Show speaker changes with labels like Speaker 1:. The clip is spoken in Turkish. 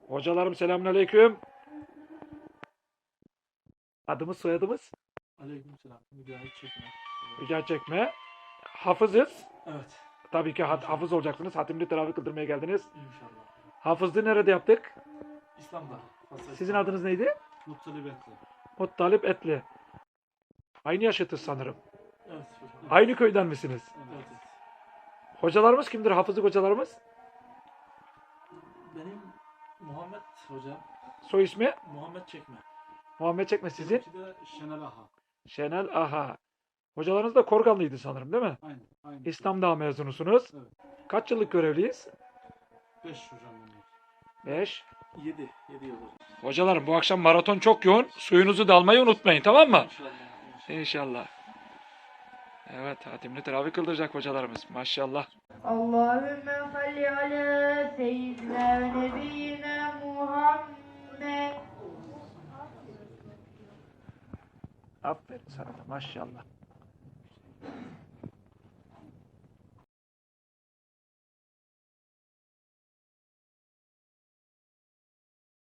Speaker 1: Hocalarım selamünaleyküm. Adımız soyadımız?
Speaker 2: Aleykümselam. Mücahit Çekme.
Speaker 1: Rica çekme. Hafızız.
Speaker 2: Evet.
Speaker 1: Tabii ki hafız olacaksınız. Hatimli teravih kıldırmaya geldiniz.
Speaker 2: İnşallah.
Speaker 1: Hafızlığı nerede yaptık?
Speaker 2: İslam'da.
Speaker 1: Sizin adınız neydi?
Speaker 2: Muttalip Etli.
Speaker 1: Muttalip Etli. Aynı yaşıtız sanırım.
Speaker 2: Evet hocam.
Speaker 1: Aynı köyden misiniz?
Speaker 2: Evet.
Speaker 1: Hocalarımız kimdir? Hafızlık hocalarımız?
Speaker 2: Benim Muhammed Hoca.
Speaker 1: Soy ismi?
Speaker 2: Muhammed Çekme.
Speaker 1: Muhammed Çekme sizin?
Speaker 2: Benimki de Şenel Aha.
Speaker 1: Şenel Aha. Hocalarınız da Korganlıydı sanırım değil mi?
Speaker 2: Aynen. Aynen.
Speaker 1: İslam'da mezunusunuz.
Speaker 2: Evet.
Speaker 1: Kaç yıllık görevliyiz?
Speaker 2: 5 hocam benim.
Speaker 1: 5.
Speaker 2: 7. 7 yıl hocam.
Speaker 1: Hocalarım bu akşam maraton çok yoğun. Suyunuzu da almayı unutmayın, tamam mı?
Speaker 2: İnşallah.
Speaker 1: İnşallah. Evet, hatimli teravih kıldıracak hocalarımız. Maşallah.
Speaker 3: Allahümme salli ala seyyidina ve nebiyyina Muhammed.
Speaker 1: Aferin sana da maşallah.